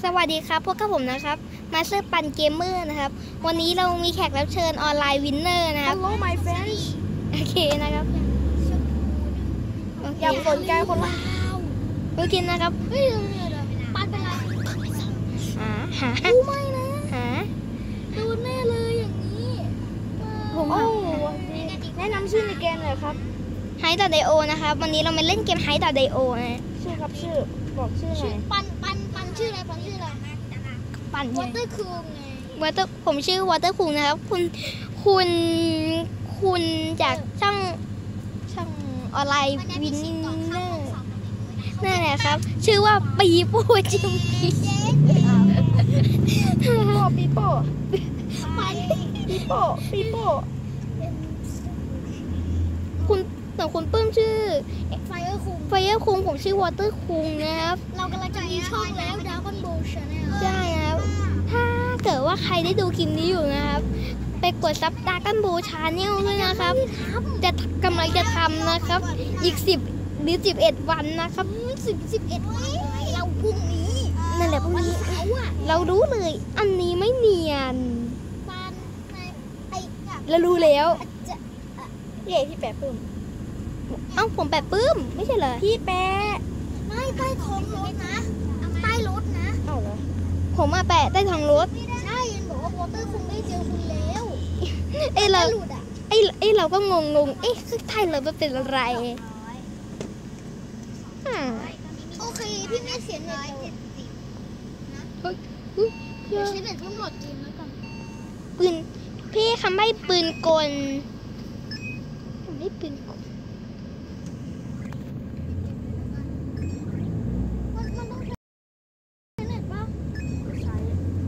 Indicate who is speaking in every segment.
Speaker 1: สวัสดีครับพวกกับผมนะครับมาสเตอร์ปันเกมเมอร์นะครับวันนี้เรามีแขกรับเชิญออนไลน์วินเนอร์นะครับ
Speaker 2: Hello my friends
Speaker 1: โอเคนะครับ
Speaker 2: อย่าสนใจคนละ
Speaker 1: โอเคนะครับ
Speaker 3: ปันเป็นไร
Speaker 1: หา
Speaker 3: ดูไม่นะ
Speaker 1: หา
Speaker 3: ดูแน่เลยอย่างนี้
Speaker 1: ผม
Speaker 2: แนะนำชื่อในเกมเลยครับ
Speaker 1: ไฮต่อไดโอนะครับวันนี้เรามาเล่นเกมไฮต่อไดโอนะ
Speaker 2: ชื่อครับชื่อบอกชื่อหน่อย
Speaker 3: ปันชื่ออะไรปันชื่ออะไร
Speaker 1: ปั่น
Speaker 3: วอเตอร์คูงไง
Speaker 1: วอเตอร์ผมชื่อวอเตอร์คูงนะครับคุณจากช่องออนไลน์วินเนอร์นั่นแหละครับชื่อว่าปีโป้จิมมี่
Speaker 2: ปีโป้
Speaker 1: คุณปื้มชื่อ
Speaker 3: ไฟเออร์
Speaker 1: คุงผมชื่อวอเตอร์คุงนะครับ
Speaker 3: เรากำลังจะมีช่องแล้วดราก้อนโบว์ชาแนล
Speaker 1: ใช่ครับถ้าเกิดว่าใครได้ดูคลิปนี้อยู่นะครับไปกดซับดราก้อนโบว์ชาแนลด้วยนะครับจะกำลังจะทำนะครับอีก10 หรือ 11 วันนะครับ
Speaker 3: 11 วันเราพรุ่งนี้
Speaker 1: นั่นแหละพรุ่งนี้เรารู้เลยอันนี้ไม่เนียนเรารู้แล้ว
Speaker 2: เย่พี่แปะปื้ม
Speaker 1: เอ้าผมแปะปื้มไม่ใช่เหรอ
Speaker 2: พี่แปะ
Speaker 3: ไม่ใต้ท้องรถนะใต้รถนะ
Speaker 2: เอ้าเหรอ
Speaker 1: ผมมาแปะใต้ท้องรถ
Speaker 3: ใช่ยันบอกว่าวอเตอร์คงได้เจอคุณแล้ว
Speaker 1: เราก็งงคือไทยเราเป็นอะไร
Speaker 3: โอเคพี่ไม่เสียเน็ตเดี๋ยวใช้เน็ตเพิ่มโหลดเกมแล้วกัน
Speaker 1: ปืนพี่คำใบ้ปืนกลไม่ปืนกล
Speaker 3: มันต้องใช้เน็ตป่ะ
Speaker 2: ใช้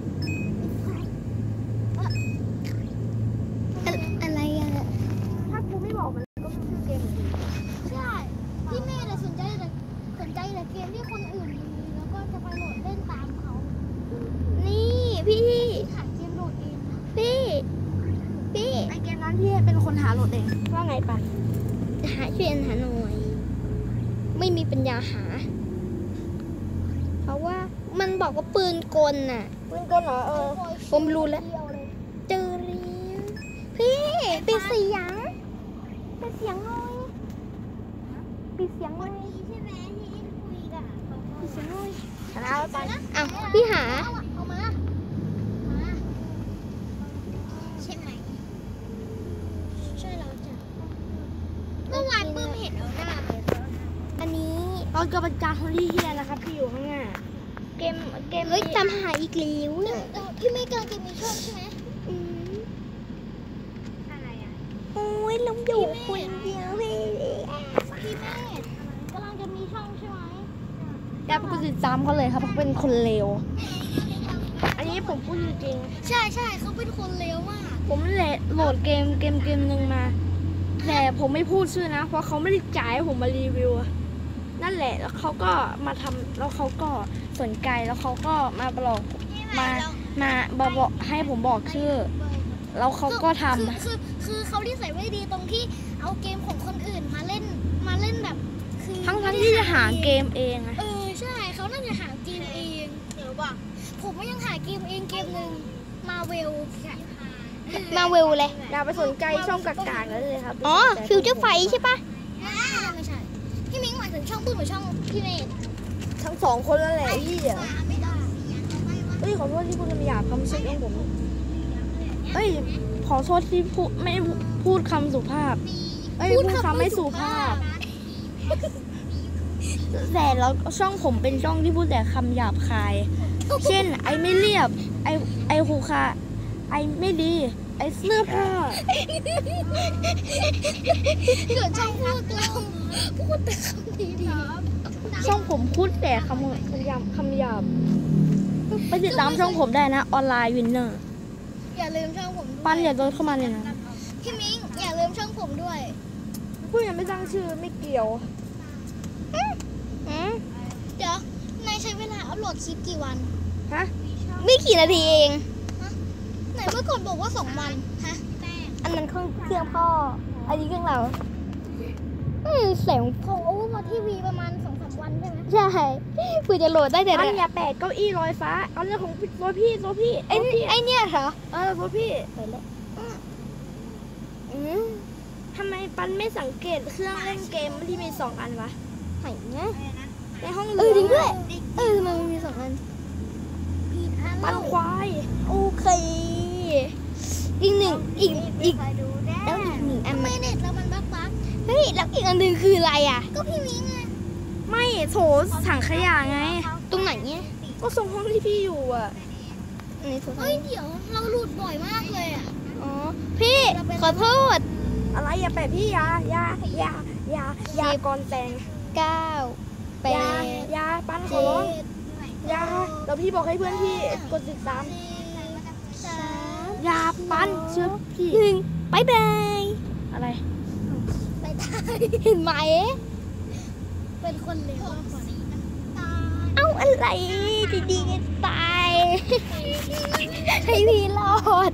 Speaker 1: อะไรอะ
Speaker 2: ถ้ากูไม่บอกมันก็ไม่ชื่อเกม
Speaker 3: ใช่พี่เมย์สนใจแต่เกมที่คนอื่นมีแล้วก็จะไปโหลดเล่นตามเขา
Speaker 1: นี่พี่
Speaker 3: หาเกมโหลดเองนะ
Speaker 1: พี่
Speaker 2: ไอเกมนั้นพี่เป็นคนหาโหลดเองว่าไงปะ
Speaker 1: ช่วยหาหน่อยไม่มีปัญญาหาเพราะว่ามันบอกว่าปืนกลน่ะ
Speaker 2: ปืนกลเหรอ
Speaker 1: ผมรู้แล้วเจอแล้วพี่ปิดเสียงหน่อยปิดเสียงหน่อย
Speaker 3: ใช่ไหมที่คุยกัน
Speaker 1: ปิดเสียงหน่อย
Speaker 2: แล้วไป
Speaker 1: อ้าวพี่หา
Speaker 3: เอามาใช่ไหมช่วยเราจ้ะเมื่อวานปื้มเห็นเอาหน้าไป
Speaker 1: อันนี้
Speaker 2: ตอนกำลังการคนที่เฮียนะครับพี่อยู่ข้างหน้าเกม
Speaker 1: เฮ้ยจำหาอีกแล้ว
Speaker 3: พี่ไม่กำลังจะมีช่องใช่ไหม
Speaker 2: อะไรอ่ะ
Speaker 1: โอ้ยเราอยู่คนเดียวเลย
Speaker 3: พี่แม่กำลังจะมีช่องใช่ไหม
Speaker 2: อย่าไปกดติดตามเขาเลยครับเขาเป็นคนเลวอันนี้ผมพูดจริง
Speaker 3: ใช่เขาเป็นคนเลวมาก
Speaker 2: ผมโหลดเกมหนึ่งมาแต่ผมไม่พูดชื่อนะเพราะเขาไม่ได้จ่ายให้ผมมารีวิวนั่นแหละแล้วเขาก็มาทำแล้วเขาก็สนใจแล้วเขาก็มาบอกมาบอกให้ผมบอกชื่อแล้วเขาก็ทำ
Speaker 3: คือเขาที่ใส่ไว้ดีตรงที่เอาเกมของคนอื่นมาเล่นแบบคือ
Speaker 2: ทั้งที่จะหาเกมเองอะ
Speaker 3: ใช่เขาน่าจะหาเกมเองหรือว่าผมก็ยังหาเกมเองเกมหนึ่งมาเวล
Speaker 1: เลย
Speaker 2: อย่าไปสนใจช่องกากๆเลยครับ
Speaker 1: อ๋อฟิวเจอร์ไฟใช่ปะ
Speaker 3: ไม่ใช่พี่มิ้งหมายถึงช่องปื้มหรือช่องพี่เมย์
Speaker 2: ทั้งสองคนแล้วแหละพี่ขอโทษที่พูดคำหยาบคำเช็คของผมขอโทษที่ไม่พูดคำสุภาพพูดคำไม่สุภาพแต่แล้วช่องผมเป็นช่องที่พูดแต่คำหยาบคายเช่นไอไม่เรียบไอหูคาไอไม่ดีไอเสื้อผ้า
Speaker 3: เกิดช่องพูดแต่คำดี
Speaker 2: ช่องผมพูดแต่คำหยาบไปติดตามช่องผมได้นะออนไลน์วินเนอร์
Speaker 3: อย่าลืมช่องผม
Speaker 2: ปั้นอย่าโดนเข้ามาเลยนะ
Speaker 3: พี่มิ้งอย่าลืมช่องผมด้วย
Speaker 2: พูดยังไม่ตั้งชื่อไม่เกี่ยว
Speaker 3: เดี๋ยวนายใช้เวลาอัพโหลดคลิปกี่วัน
Speaker 1: ฮะไม่กี่นาทีเอง
Speaker 3: ไหนเมื่อก่อนบอกว่า2 วันฮะ
Speaker 1: อันนั้นเครื่องพ่ออันนี้เครื่องเรา
Speaker 3: แสงของโอเวอร์มาทีวีประมาณ2-3 วันใช่ไหม
Speaker 1: ใช่เพื่อจะโหลดได้แต่
Speaker 2: ปันอย่าแปะเก้าอี้ลอยฟ้าเอาเรื่องของตัวพี่
Speaker 1: ไอ้เนี่ยเหรอ
Speaker 2: ตัวพี่
Speaker 1: ไปแล้ว
Speaker 2: ทำไมปันไม่สังเกตเครื่องเล่นเกมที่มี2 อันวะ
Speaker 1: ไหนเนี่ย
Speaker 2: ในห้อง
Speaker 1: จริงด้วยทำไมมันมี2 อัน
Speaker 2: ปันควาย
Speaker 1: โอเคอีกหนึ่งอีกแล้วอีก1 อัน
Speaker 3: ไม่เน็ตแล้วมันบั๊ก
Speaker 1: เฮ้ยแล้วอีกอันหนึ่งคืออะไรอ่ะ
Speaker 3: ก็พี่มิ้งไง
Speaker 2: ไม่โถถังขยะไง
Speaker 1: ตรงไหนเนี่ย
Speaker 2: ก็ส่งห้องที่พี่อยู่อ่ะ
Speaker 1: ในโทรศัพ
Speaker 3: เฮ้ย
Speaker 1: ท์
Speaker 3: เดี๋ยวเราหลุดบ่อยมากเลยอ่ะ
Speaker 1: อ๋อพี่ขอโทษ
Speaker 2: อะไรอย่าแปะพี่ยายาก่อนแต่ง
Speaker 1: 9
Speaker 2: ยาปันขอร้องยาแล้วพี่บอกให้เพื่อนพี่กดติดตามยาปันเชื่อพี่
Speaker 1: 1บายบาย
Speaker 2: อะไร
Speaker 3: ไปตาย
Speaker 1: เห็นไหม
Speaker 3: เป็นคนเลวก่อน
Speaker 1: เอ้าอะไรดีๆกันตายให้พี่รอด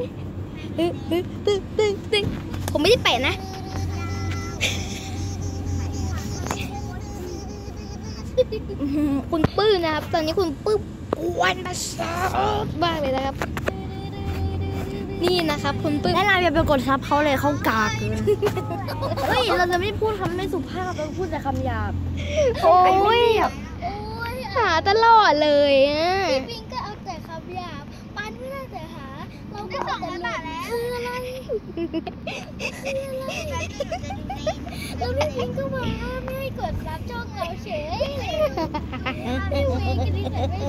Speaker 1: ตึงผมไม่ได้แปะนะคุณปื้มนะครับตอนนี้คุณปื้มกวนมาซอกบ้างเลยนะครับนี่นะครับคุณปื้ม
Speaker 2: และเราอย่าไปกดซับเขาเลยเขากากเกินเฮ้ยเราจะไม่พูดคำไม่สุภาพเราพูดแต่คำหยาบ
Speaker 1: โอ้ย
Speaker 3: โอ้ย
Speaker 1: หาตลอดเลยอ่ะ
Speaker 3: พี่มิ้งก็เอาแต่คำหยาบปันไม่ได้แต่หาเราก็เอาแต่เล่นคืออะไรแล้วพี่มิ้งก็มาห้ามไม่ให้กดรับช่องเราเฉยพี่เวงกันนี่แต่ไม่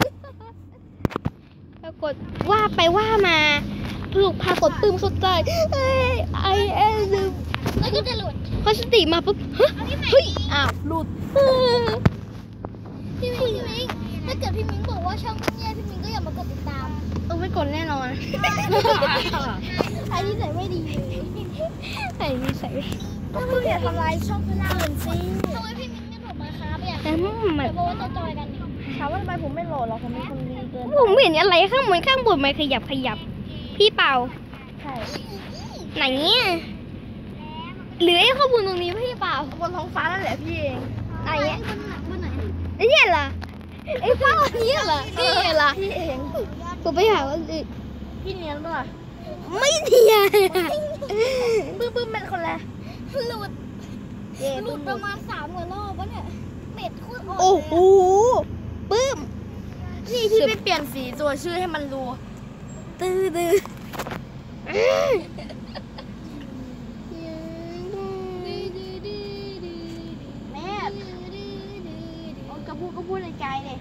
Speaker 1: ปรากฏว่าไปว่ามาถูกพากดปื้มเข้าใจไอเอ็น
Speaker 3: แล้วก็จะหลุด
Speaker 1: พอสติมาปุ๊บเฮ้ยอ้าวหลุด
Speaker 3: พี่มิ้งถ้าเกิดพี่มิ้งบอกว่าช่องเนี่ยพี่มิ้งก็อย่ามากดติดตาม
Speaker 2: ต้องไม่กดแน่นอน
Speaker 3: ใครที่ใส่ไม่ดี
Speaker 1: ไอ้นี่ใส่
Speaker 2: ก็คืออย่าทำลายช่องคนอื่นสิ
Speaker 3: ทำไมพี่มิ้งไม่โหลดมาครับเนี่ย
Speaker 1: แต่มัน
Speaker 3: เดี๋ยวบอกว่าจะจอยกัน
Speaker 2: ถามว่าทำไมผมไม่โหลดหรอผมเป็นคนดีเกิน
Speaker 1: ผมเห็นอะไรข้างบนมันขยับพี่เป่า
Speaker 2: ใช่
Speaker 1: ไหนเนี่ยหรือไอ้ข้อมูลตรงนี้พี่เป่า
Speaker 2: บนท้องฟ้านั่นแหละพี่เอง
Speaker 1: ไหนเนี่ย
Speaker 3: บนไหน
Speaker 1: ไอ้เนี่ยเหรอไอ้เป้าอันนี้เหรอนี่เหรอ
Speaker 2: พี่เอง
Speaker 1: ผมไปหาว่า
Speaker 2: พี่เนียนป่ะ
Speaker 1: ไม่เทีย
Speaker 2: บึ้มเป็นคนแรก
Speaker 3: หลุดหลุดประมาณ3 กว่ารอบวะเนี่ยเบ็ดโคตรอ่อน
Speaker 1: โอ้โหปื้ม
Speaker 2: นี่พี่ไม่เปลี่ยนสีตัวชื่อให้มันดู
Speaker 1: ตื้อ
Speaker 2: แม่กระพูดในใจเลย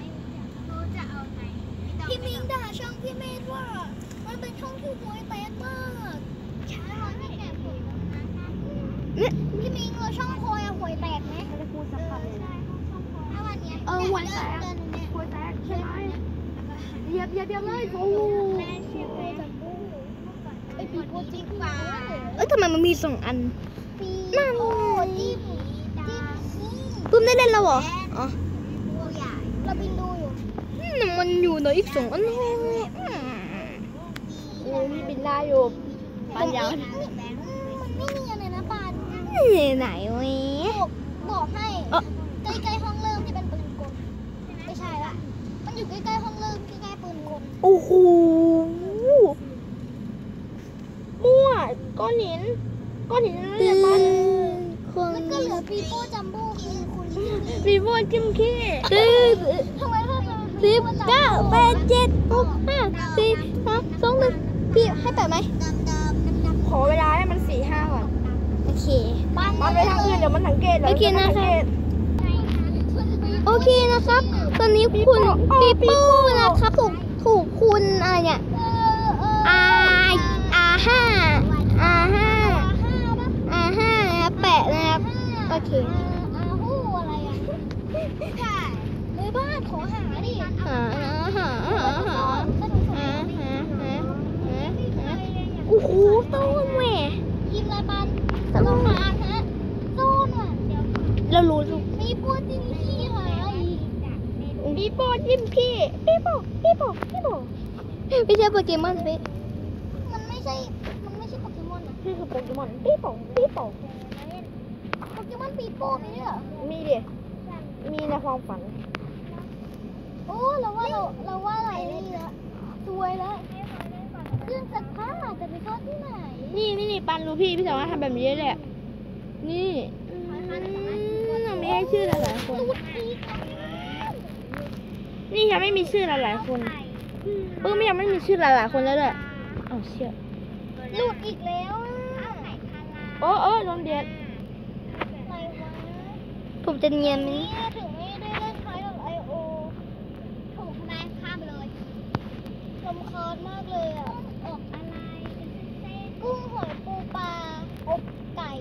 Speaker 3: พี่มิ้งด่าช่องพี่เมธว่ามันเป็นช่องที่ห่วยแตกมากพี่มิ้งช่องโคยห่วยแตกไหม
Speaker 2: ไม่ได้พูดสักคำเลย
Speaker 3: ถ้าวันนี้
Speaker 2: ห่วยแตกใช่ไหมเหยียบเลยโอ้
Speaker 3: ไอปีโป้จิ้มฟ้า
Speaker 1: ทำไมมันมี2 อัน
Speaker 3: ปีโป้จิ้ม
Speaker 1: ปื้มได้เล่นแล้วเหรออ๋อ
Speaker 3: เราบินดูอยู่
Speaker 1: มันอยู่ในอีก2 อัน
Speaker 2: โอ้พี่บินได้อยู่ปัญญา
Speaker 3: มันไม่เนียนเลยนะปาน
Speaker 1: ไหนวะ
Speaker 3: บอกให้ใกล้ๆห้องเริ่มที่เป็นปืนกลไม่ใช่ละมันอยู่ใกล้ๆห้องเริ่มใกล้ๆปืนกล
Speaker 1: โอ้โห
Speaker 2: มั่วก้อนหินนั่นแหละปัน
Speaker 3: แล้วก็เหลือปีโป้จัมโบ้คือคุณ
Speaker 2: วีโวจิ้มขี้
Speaker 3: ทำไมถ้าเรา
Speaker 1: 10 9 8 7 6 5 4 3 2 1พี่ให้แปะไหม
Speaker 2: ขอเวลาให้มัน4-5 วัน
Speaker 1: โอเค
Speaker 2: มันไปทางอื่นเดี๋ยวมันสังเกต
Speaker 1: โอเคนะครับ โอเคนะครับ ตอนนี้คุณปีโป้นะครับถูกคุณอะไรเนี่ย R5 นะครับแปะนะครับ โอเค
Speaker 3: ฮู้อะไรอ่ะใช่เลยบ้านขอหาดิ
Speaker 1: โอ้โหต้นแหว
Speaker 3: ทีมอะไรปันต้องหาฮะโซนว่ะ
Speaker 1: เรารู้ทุก
Speaker 3: มีปูจิ้มขี้หาอีก
Speaker 1: ปีโป้ยิ้มพี่ปีโป้ไม่ใช่โปเกมอนสิ
Speaker 3: มันไม่ใช่โปเกมอนนะ
Speaker 2: พี่คือโปเกมอนปีโป้
Speaker 3: โปเกมอนปีโป้มีด้วยเหรอ
Speaker 2: มีดิมีในความฝัน
Speaker 3: โอ้เราว่าอะไรนี่ละสวยแล้วเครื่องซักผ้าจะไปซ่อนที่ไหน
Speaker 2: นี่ปันรู้พี่สามารถทำแบบนี้ได้เลยอะนี่ไม่ให้ชื่อหลายๆคนนี่ยังไม่มีชื่อหลายๆคนไม่ยังไม่มีชื่อหลายๆคนแล้วเลยอ้าวเชี่ย
Speaker 3: หลุดอีกแล้ว
Speaker 2: โดนเด็ด
Speaker 3: อะไรวะ
Speaker 1: ผมจะเนียนไหม
Speaker 3: นี่ถึงไม่ได้เล่นคล้ายกับIO ถูกไหมข้ามไปเลยรำคาญมากเลยอ่ะออกอะไรกุ้งหอยปูปลาอบไก่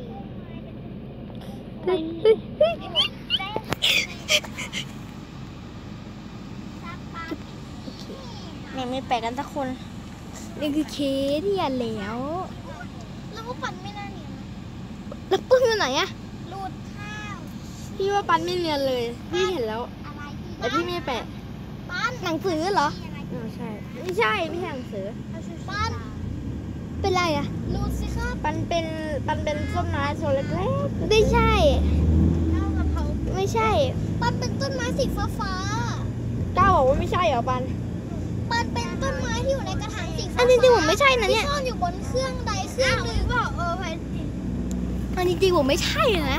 Speaker 2: เนี่ยไม่แปลกกันสักคน
Speaker 1: นี่คือเคสเนี่ยแล้ว
Speaker 3: แล้วก็ปั่นไม่น่าเนียน
Speaker 1: แล้วปื้มอยู่ไหนอะ
Speaker 3: หลุดข้าว
Speaker 2: พี่ว่าปันไม่เนียนเลยพี่เห็นแล้ว
Speaker 3: อะไรอีก
Speaker 2: แต่พี่ไม่แปะ
Speaker 3: ปั้น
Speaker 1: หนังสือเหรอ
Speaker 2: ใช่ไม่ใช่หนังสือ
Speaker 3: ปั้น
Speaker 1: เป็นไรอะ
Speaker 3: หลุดสิครับ
Speaker 2: ปันเป็นต้นไม้ตัวเล็ก
Speaker 1: ไม่ใช่
Speaker 3: เท่ากับเขา
Speaker 1: ไม่ใช่
Speaker 3: ปั้นเป็นต้นไม้สีฟ้า
Speaker 2: ๆก้าวบอกว่าไม่ใช่เหรอปัน
Speaker 3: ปั้นเป็นต้นไม้ที่อยู่ในกระถางสีฟ้า
Speaker 1: อันจริงๆผมไม่ใช่นะเนี่ย
Speaker 3: ที่ซ่อนอยู่บนเครื่องใดเครื่องหนึ่งบอกไป
Speaker 1: อันจริงๆผมไม่ใช่นะ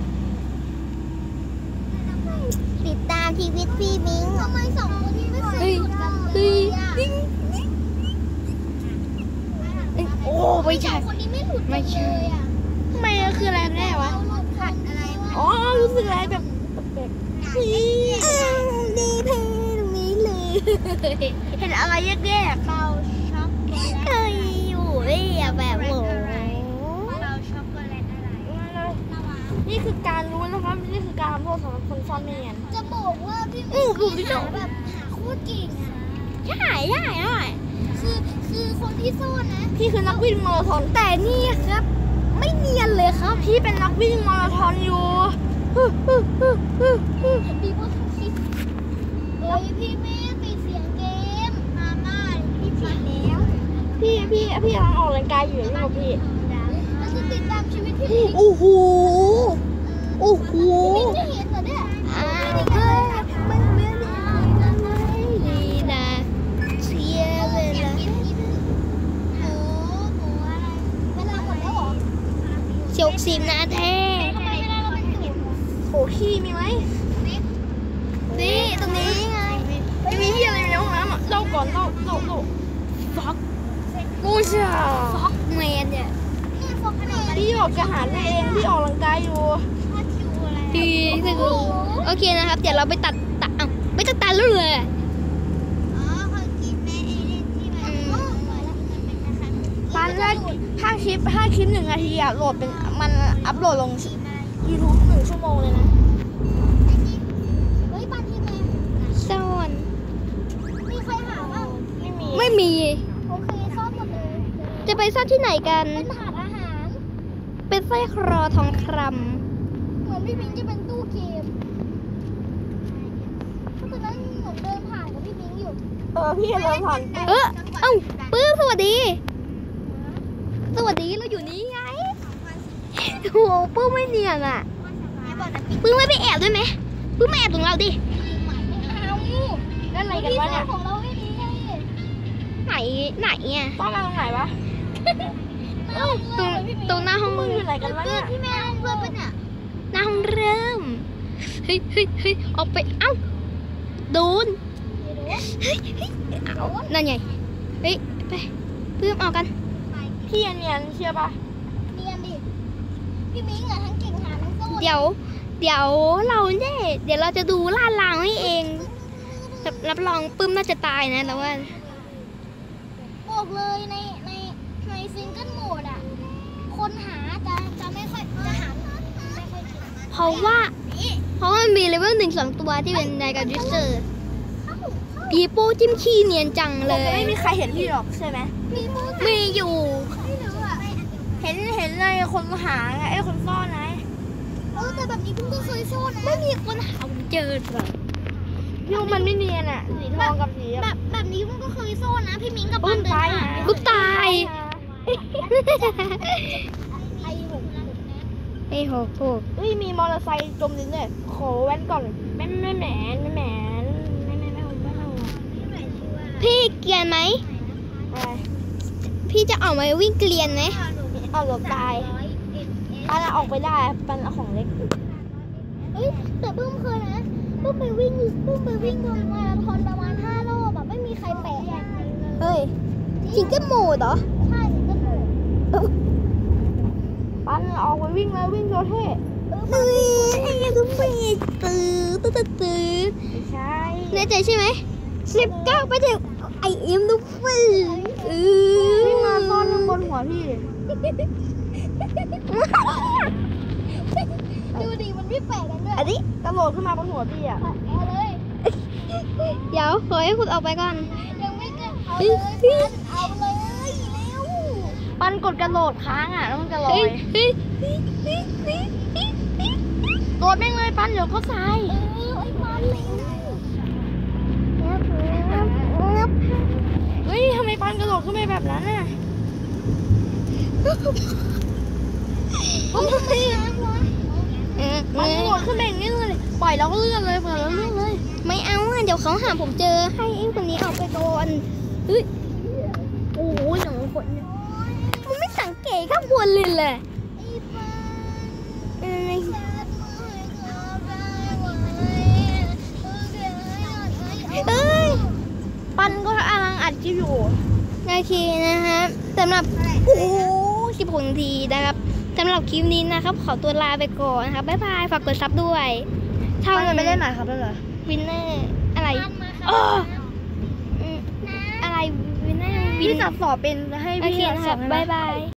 Speaker 3: ติดตามชีวิตพี่มิ้งทำไมสองคนนี้ไม่เคยหลุดกันเล
Speaker 1: เฮ้ย
Speaker 3: ยอ่ะ
Speaker 1: โอ้ไม่ใช่
Speaker 3: สองคนนี้ไม่หลุดกันเลยอ่ะ
Speaker 2: ทำไมอะคืออะไรแน่วะ
Speaker 3: เราหลุดขัดอะไรวะ
Speaker 2: อ๋อรู้สึกอะไรแบบแปลก
Speaker 1: ดีเพลงนี้เลย
Speaker 2: ๆเห็นอะไรแยก
Speaker 3: เราช็อกโกแลต
Speaker 1: เคยอยู่เนี่ยแบบโห
Speaker 3: เราช็อกโกแลตอะไร
Speaker 2: ๆนี่คือการรู้นะครับนี่คือการทำโทษสำหรับคนซ่อนเนียน
Speaker 3: จะบอกว่าพี่มิ้งหาแบบหาโคตรเก่งอ่ะ
Speaker 1: ใช่ใช่ใช่
Speaker 3: คือคนที่ซ่อนนะ
Speaker 2: พี่คือนักวิ่งมาราธอน
Speaker 1: แต่นี่ครับ ไม่เนียนเลยครับ
Speaker 2: พี่เป็นนักวิ่งมาราธอนอยู่
Speaker 3: พี่ว่าคิดเฮ้ยพี่มิ้งปิดเสียงเกมมาม่าพี่ปิดแล้ว
Speaker 2: พี่กำลังออกกำลังกายอยู่นี่หรอพี่
Speaker 3: เราจะติดตามชีวิตพี่มิ้ง
Speaker 2: โอ้โหโอ้โห
Speaker 3: พี่มิ้งจะเห็นเหรอเนี่ย
Speaker 1: อ้าวเฮ้ยมันไม่ดีนะเชียร์เลยนะ
Speaker 3: โอ้โหอะไรเวลาหมดแล้วเหรอ
Speaker 1: เชียว10 นาที
Speaker 3: ทำไมเวลาเราเป็นศูนย์
Speaker 2: โหขี้มีไหม
Speaker 1: นี่ตรงนี้ไง
Speaker 2: ไม่มีที่อะไรอยู่ในห้องน้ำอ่ะเล่าก่อนเล่าฟักกูจ้า
Speaker 1: ฟอกแมนเนี่ย
Speaker 3: นี่ฟอกขนาด
Speaker 2: พี่บอกจะหาตัวเองพี่ออกกำลังกายอยู่
Speaker 3: ชาคิวอะไร
Speaker 1: ดีสุดโอเคนะครับ เดี๋ยวเราไปตัดไม่ตัดตาแล้วเลย
Speaker 3: อ๋อคนกินแม่เอเล่นที่มันอ๋อมาแล้วมันเป็นนะคะ
Speaker 2: ปันแรกถ้าคลิป1 นาทีอ่ะโหลดเป็นมันอัพโหลดลง YouTube 1 ชั่วโมงเลยนะ
Speaker 3: เฮ้ยปันที่แม่
Speaker 1: ซ่อน
Speaker 3: มีใครหาบ้าง
Speaker 2: ไม่มี
Speaker 1: ไม่มี
Speaker 3: โอเคซ่อมหมดเลย
Speaker 1: จะไปซ่อนที่ไหนกัน
Speaker 3: เป็นถาดอาหาร
Speaker 1: เป็นสร้อยคอทองค
Speaker 3: เหมือนพี่มิ้งจะเป็นตู้เกมเพราะฉะนั้นเหมือนเดินผ่านกับพี่มิ้งอยู่
Speaker 2: พี่เดินผ่าน
Speaker 1: ำเอ้าปื้มสวัสดี สวัสดีเราอยู่นี่ไงโอ้โหปื้มไม่เนียนอ่ะ
Speaker 3: แม่บอกนะพี่
Speaker 1: ปื้มไม่ไปแอบด้วยไหมปื้มมาแอบตรงเราดิ
Speaker 3: ไม่เอา
Speaker 2: นั่นอะไรกันวะเนี่ย
Speaker 3: ของเราไม่ดีไง
Speaker 1: ไหนอ่ะ
Speaker 2: ต้องมาตรงไหนวะ
Speaker 1: ตรงหน้าห้อง
Speaker 2: มึงอยู่ไหนกันวะเนี่ย
Speaker 3: พี่แม่เพื่อนปะเนี่ย
Speaker 1: หน้าห้องเริ่มเฮ้ยออกไปเอ้าโดนเอานั่นไงเฮ้ยไปปื้มออกกัน
Speaker 2: พี่เนียนเชื่อปะ
Speaker 3: เนียนดิ พี่มิ้งอะทั้งเก่งหาทั้งโซ่
Speaker 1: เดี๋ยวเราเนี่ยเดี๋ยวเราจะดูลาดรางให้เองรับรองปื้มน่าจะตายนะแต่ว่า
Speaker 3: บอกเลยในซิงเกิลโหมดอะคนหาจะไม่ค่อยจะหาไม่ค่อยเก่ง
Speaker 1: เพราะว่ามันมีเลเวล1-2 ตัวที่เป็นในการดิสเตอร์ปีโป้จิ้มขี้เนียนจังเล
Speaker 2: จะ
Speaker 1: ย
Speaker 2: ไม่มีใครเห็นพี่หรอกใช่ไหม
Speaker 3: พี่พูด
Speaker 1: มีอยู่
Speaker 3: ไม่รู้อะ
Speaker 2: เห็นเลยคนหาไงไอ้คนซ่อนไง
Speaker 3: แต่แบบนี้เพิ่งก็เคยโซ่นะ
Speaker 1: ไม่มีคนหาเจอหรอก
Speaker 2: พี่ว่ามันไม่เนียนอ่ะสีทองกับสี
Speaker 3: แบบนี้เพิ่งก็เคยโซ่นะ พี่มิ้งกับ
Speaker 2: ปื้
Speaker 3: ปั้น
Speaker 2: ม
Speaker 3: เดิน
Speaker 2: ตาย
Speaker 3: หา
Speaker 1: กูตาย
Speaker 3: ไอ้หก
Speaker 1: ไอ้โห
Speaker 2: เฮ้ยมีมอเตอร์ไซค์จมดินเนี่ยขอแว้นก่อนไม่แหมนไม่เอา
Speaker 1: พี่เกรียนไหม
Speaker 2: อะไร
Speaker 1: พี่จะออกมาวิ่งเกรียนไหม
Speaker 2: เอาหลบตายปันออกไปได้ปันเอาของเล็ก
Speaker 3: เฮ้ยแต่เพิ่มเคยนะเพิ่มไปวิ่งโดนมาราธอนประมาณ5 รอบแบบไม่มีใครแปะ
Speaker 1: เฮ้ยจิงเกิลโหมดเหรอ
Speaker 3: ใช่ถึงจะถูก
Speaker 2: ปันออกไปวิ่งเลยวิ่งโดเท่
Speaker 1: เฮ้ยทุกปีตื้อ
Speaker 2: ไม่ใช่
Speaker 1: แน่ใจใช่ไหม19ไปถึงไอเอ็มทุกปี
Speaker 2: วิ่งมาซ่อนบนหัวพี่
Speaker 3: ดูดิมันไม่แปะกันด้วย
Speaker 1: อันนี้
Speaker 2: กระโดดขึ้นมาบนหัวพี่อ่ะ
Speaker 3: เอาเลย
Speaker 1: เดี๋ยวขอให้คุณออกไปก่อน
Speaker 3: ยังไม่เกินเอาเลยพันเอาเลยเร็ว
Speaker 2: ปันกดกระโดดค้างอ่ะแล้วมันจะลอ
Speaker 1: เฮ้ย
Speaker 2: ย
Speaker 1: เฮ้ย
Speaker 2: โดดแม่งเลยปันเดี๋ยวก็ทราย
Speaker 3: ไอ้พันเร็ว
Speaker 2: เฮ้ยทำไมปันกระโดดขึ้นไปแบบนั้นน่ะ
Speaker 3: ผมทำไมอ่ะวะ
Speaker 2: ปันกระโดดขึ้นไปอย่างนี้เลยปล่อยแล้วก็เลื่อนเลยปล่อยแล้วเลื่อนเลย
Speaker 1: ไม่เอาอ่ะเดี๋ยวเขาหาผมเจอให้ไอ้คนนี้ออกไปก่อนเฮ้ย
Speaker 2: โอ้โหอย่างคนเนี่ย
Speaker 1: มันไม่สังเกตข้างบนเลยแหละ
Speaker 3: ไอ้พัน
Speaker 1: เอ้ย
Speaker 3: แซ่บมากครับได้ไหม
Speaker 1: เอ้ย
Speaker 2: ปันก็กำลังอัดคลิปอยู่
Speaker 1: โอเคนะครับสำหรับโอ้โห16 นาทีนะครับสำหรับคลิปนี้นะครับ ขอตัวลาไปก่อนนะครับบ๊ายบายฝากกดซับด้วยเท่า
Speaker 2: ปัน
Speaker 1: นั้
Speaker 2: จะ
Speaker 1: น
Speaker 2: ไปเล่นไหนครับได้เหรอ
Speaker 1: วินเนอร์อะไร
Speaker 3: พันมาค
Speaker 1: เอ
Speaker 3: รั
Speaker 1: อบ อืมอะไรวินเนอร์วิ
Speaker 2: พี่
Speaker 1: น
Speaker 2: จับสอบเป็นให้
Speaker 1: โอ
Speaker 2: พี่
Speaker 1: เค
Speaker 2: จับ
Speaker 1: นะ
Speaker 2: ส
Speaker 1: ค
Speaker 2: อ
Speaker 1: รั
Speaker 2: บบ ให้ไหม
Speaker 1: บ๊ายบาย